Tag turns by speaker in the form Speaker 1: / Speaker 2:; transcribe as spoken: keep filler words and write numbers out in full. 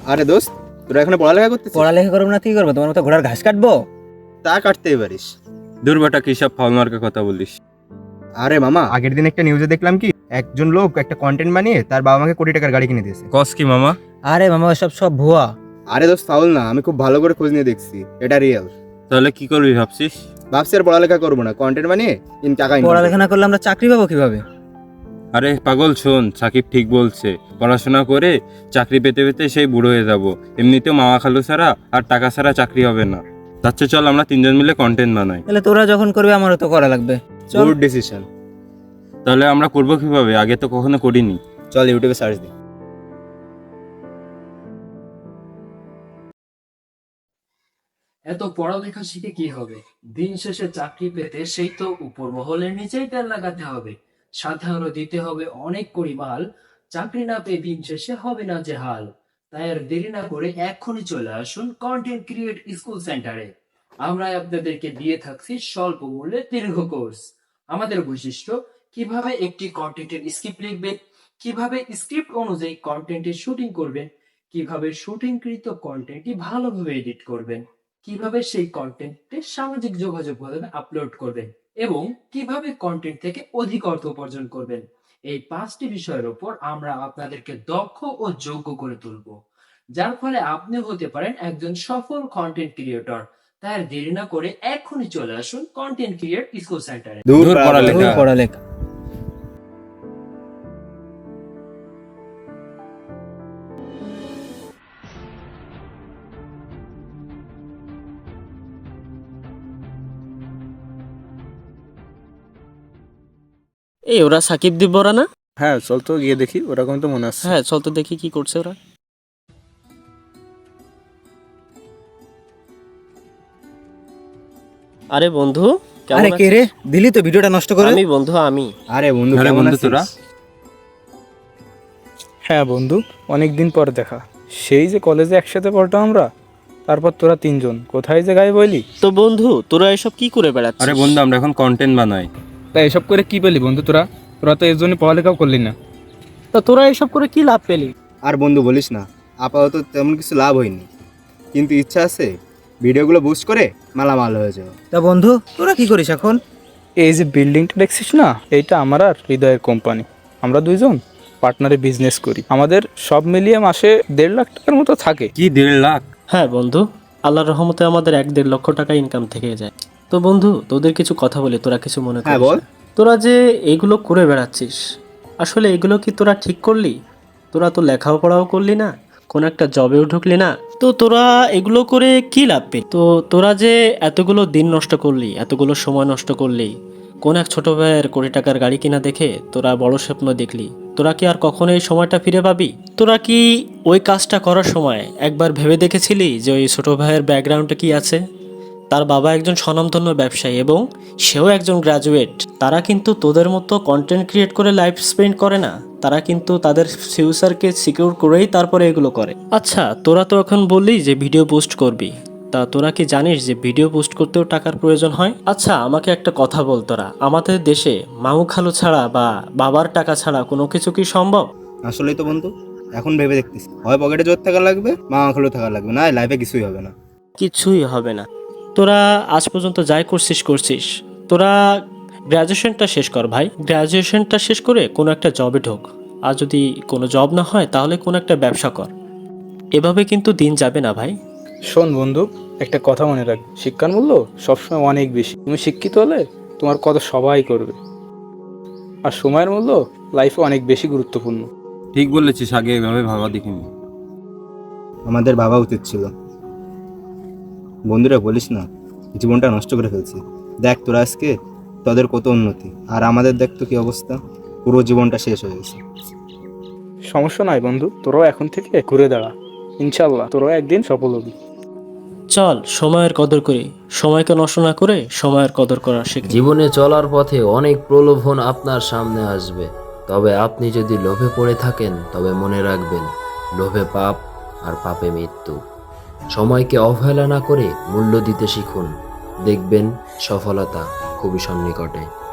Speaker 1: আরে দোস্ত, তোরা এখানে পড়ালেখা করতেছিস?
Speaker 2: পড়ালেখা করবো না কি করবো? তোমার মতো ঘোড়ার ঘাস কাটবো?
Speaker 1: তা কাটতেই পারিস।
Speaker 3: দূর বেটা, কি সব ফাউল মার্কা কথা বলিস?
Speaker 1: আরে মামা, আগের দিন একটা নিউজে দেখলাম কি একজন লোক একটা কন্টেন্ট বানিয়ে তার বাবা মাকে কোটি টাকার গাড়ি কিনে দিয়েছে।
Speaker 3: কস কি মামা?
Speaker 2: আরে মামা, সব সব ভুয়া।
Speaker 1: আরে দোস্ত, ফাউল না, আমি খুব ভালো করে খোঁজ নিয়ে দেখছি, এটা রিয়েল।
Speaker 3: তাহলে কি করবি ভাবছিস?
Speaker 1: ভাবছি আর পড়ালেখা করবো না, কন্টেন্ট বানিয়ে ইন টাকা income
Speaker 2: পড়ালেখা
Speaker 1: করবো।
Speaker 2: না করলে আমরা চাকরি পাবো কিভাবে?
Speaker 3: আরে পাগল শোন, সাকিব ঠিক বলছে, পড়াশোনা করে চাকরি পেতে পেতে সেই বুড়ো হয়ে যাব। এমনিতেও মামা খালু ছাড়া আর টাকা ছাড়া চাকরি হবে না। তার চেয়ে চল আমরা তিনজন মিলে কন্টেন্ট বানাই।
Speaker 2: তাহলে তোরা যখন করবে আমারও তো করা লাগবে। চল।
Speaker 1: Good decision.
Speaker 3: তাহলে আমরা করবো কিভাবে? আগে তো কখনো করিনি।
Speaker 1: চল ইউটিউবে সার্চ দিই।
Speaker 4: এত পড়ালেখা শিখে কি হবে? দিন শেষে চাকরি পেতে সেই তো উপর মহলের নিচেই তেল লাগাতে হবে, সাথে আরো দিতে হবে অনেক পরিমাল। চাকরি না পেয়ে দিন শেষে হবে না যে হাল। তাই আর দেরি না করে এক্ষুনি চলে আসুন কন্টেন্ট ক্রিয়েট স্কুল সেন্টারে। আমরা আপনাদেরকে দিয়ে থাকছি স্বল্প মূল্যে দীর্ঘ কোর্স। আমাদের বৈশিষ্ট্য, কিভাবে একটি কন্টেন্টের স্ক্রিপ্ট লিখবেন, কিভাবে স্ক্রিপ্ট অনুযায়ী কন্টেন্টের শুটিং করবেন, কিভাবে শুটিংকৃত কন্টেন্টটি ভালোভাবে এডিট করবেন, কিভাবে সেই কন্টেন্টে সামাজিক যোগাযোগ মাধ্যমে আপলোড করবেন এবং কিভাবে কন্টেন্ট থেকে অধিক অর্থ উপার্জন করবেন। এই পাঁচটি বিষয়ের উপর আমরা আপনাদেরকে দক্ষ ও যোগ্য করে তুলব, যার ফলে আপনি হতে পারেন একজন সফল কন্টেন্ট ক্রিয়েটর। তাই আর দেরি না করে এখনই চলে আসুন কন্টেন্ট ক্রিয়েট স্কুল সেন্টারে।
Speaker 1: দূর
Speaker 3: দূর
Speaker 1: পড়ালেখা।
Speaker 3: পড়ালেখা।
Speaker 2: পড়ালেখা।
Speaker 5: এই ওরা সাকিব দিব ওরা না?
Speaker 6: হ্যাঁ চল তো গিয়ে দেখি, ওরকম তো মনে হচ্ছে।
Speaker 5: হ্যাঁ চল তো দেখি কি করছে ওরা। আরে বন্ধু, কেমন
Speaker 2: আরে কে
Speaker 5: আছিস?
Speaker 2: রে, দিলি তো ভিডিওটা নষ্ট করে।
Speaker 5: আমি বন্ধু, আমি
Speaker 1: আরে বন্ধু,
Speaker 3: আরে
Speaker 1: কেমন
Speaker 3: বন্ধু,
Speaker 1: আছিস?
Speaker 3: তোরা?
Speaker 6: হ্যাঁ বন্ধু, অনেক দিন পর দেখা। সেই যে কলেজে একসাথে পড়তাম আমরা, তারপর তোরা তিনজন কোথায় যে গায়ে বইলি।
Speaker 5: তো বন্ধু, তোরা এসব কি করে বেড়াচ্ছিস?
Speaker 3: আরে বন্ধু, আমরা এখন কন্টেন্ট বানাই।
Speaker 6: তা এসব করে কি পেলি বন্ধু তোরা? তোরা তো এর জন্য পড়ালেখাও করলি না।
Speaker 5: তা তোরা এসব করে কি লাভ পেলি?
Speaker 1: আর বন্ধু বলিস না, আপাতত তেমন কিছু লাভ হয়নি, কিন্তু ইচ্ছা আছে ভিডিওগুলো বুস্ট করে মালামাল হয়ে যাবে।
Speaker 2: তা বন্ধু, তোরা কি করিস এখন?
Speaker 6: এই যে বিল্ডিংটা দেখছিস না, এইটা আমার আর হৃদয়ের কোম্পানি। আমরা দুইজন পার্টনারে বিজনেস করি। আমাদের সব মিলিয়ে মাসে দেড় লাখ টাকার মতো থাকে।
Speaker 3: কি দেড় লাখ?
Speaker 5: হ্যাঁ বন্ধু, আল্লাহর রহমতে আমাদের এক দেড় লক্ষ টাকা ইনকাম থেকে যায়। তো বন্ধু, তোদের কিছু কথা বলি, তোরা কিছু মনে
Speaker 1: হ্যাঁ,
Speaker 5: করিস
Speaker 1: বল।
Speaker 5: না। তোরা যে এইগুলো করে বেড়াচ্ছিস, আসলে এগুলো কি তোরা ঠিক করলি? তোরা তো লেখাপড়াও করলি না, কোন একটা জবেও ঢুকলি না, তো তোরা এগুলো করে কি লাভ পেলি? তো তোরা যে এতগুলো দিন নষ্ট করলি, এতগুলো সময় নষ্ট করলি, কোন এক ছোট ভাইয়ের কোটি টাকার গাড়ি কিনা দেখে তোরা বড় স্বপ্ন দেখলি, তোরা কি আর কখনো এই সময়টা ফিরে পাবি? তোরা কি ওই কাজটা করার সময় একবার ভেবে দেখেছিলি যে ওই ছোট ভাইয়ের ব্যাকগ্রাউন্ডে কি আছে? তার বাবা একজন স্বনামধন্য ব্যবসায়ী এবং সেও একজন গ্র্যাজুয়েট। তারা কিন্তু তোদের মতো কন্টেন্ট ক্রিয়েট করে লাইফ স্পেন্ড করে না, তারা কিন্তু তাদের ফিউচারকে সিকিউর করেই তারপরে এগুলো করে। আচ্ছা, তোরা তো এখন বললি যে ভিডিও পোস্ট করবি, তা তোরা কি জানিস যে ভিডিও পোস্ট করতেও টাকার প্রয়োজন হয়? আচ্ছা আমাকে একটা কথা বল, তোরা আমাদের দেশে মামু খালু ছাড়া বা বাবার টাকা ছাড়া কোনো কিছু কি সম্ভব?
Speaker 1: আসলেই তো বন্ধু, এখন ভেবে দেখতেছি, হয় পকেটে জোর থাকা লাগবে, মামা খালু থাকা লাগবে, না লাইফে কিছুই হবে না।
Speaker 5: কিছুই হবে না। তোরা আজ পর্যন্ত যাই করছিস করছিস, তোরা গ্র্যাজুয়েশনটা শেষ কর ভাই। গ্র্যাজুয়েশনটা শেষ করে কোনো একটা জবে ঢোক, আর যদি কোনো জব না হয় তাহলে কোনো একটা ব্যবসা কর। এভাবে কিন্তু দিন যাবে না ভাই।
Speaker 6: শোন বন্ধু, একটা কথা মনে রাখ, শিক্ষার মূল্য সবসময় অনেক বেশি। তুমি শিক্ষিত হলে তোমার কথা সবাই করবে, আর সময়ের মূল্য লাইফে অনেক বেশি গুরুত্বপূর্ণ।
Speaker 3: ঠিক বলেছিস, আগে এভাবে ভাবা দেখিনি।
Speaker 1: আমাদের ভাবা উচিত ছিল। বন্ধুরা বলিস না, জীবনটা নষ্ট করে ফেলছি। দেখ তোরা আজকে, তোদের কত উন্নতি, আর আমাদের দেখ তো কি অবস্থা, পুরো জীবনটা শেষ হয়ে গেছে।
Speaker 6: সমস্যা নাই বন্ধু, তোরাও এখন থেকে ঘুরে দাঁড়া, ইনশাল্লাহ তোরাও একদিন সফল হবি।
Speaker 5: চল সময়ের কদর করি, সময়কে নষ্ট না করে সময়ের কদর করা শিখি।
Speaker 7: জীবনে চলার পথে অনেক প্রলোভন আপনার সামনে আসবে, তবে আপনি যদি লোভে পড়ে থাকেন তবে মনে রাখবেন, লোভে পাপ আর পাপে মৃত্যু। সময়কে অবহেলা না করে মূল্য দিতে শিখুন, দেখবেন সফলতা খুবই সন্নিকটে।